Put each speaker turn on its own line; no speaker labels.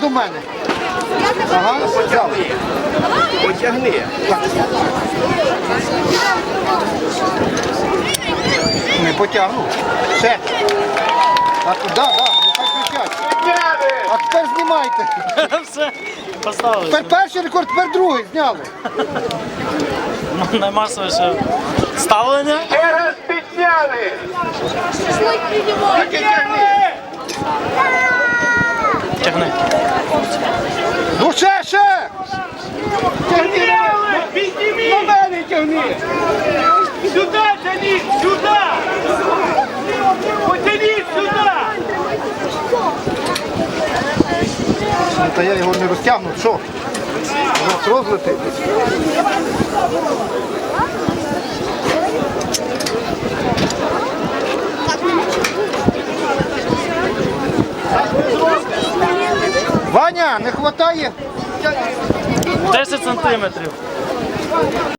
до мене. Ага, взяв.
Потягни.
Не потягну. Все. А туди, да, нехай кричать. А тепер знімайте.
Все, поставили.
Тепер перший рекорд, тепер другий зняли.
Наймасовіше ставлення.
Ще раз підняли.
Тягни.
Ну ще!
Тягни. Підніми. На мене тягни. Сюди тягніть, сюди. Потягніть сюди.
Ну, та я його не розтягну, що? У нас розлетить. Ваня, не хватає?
10 сантиметрів.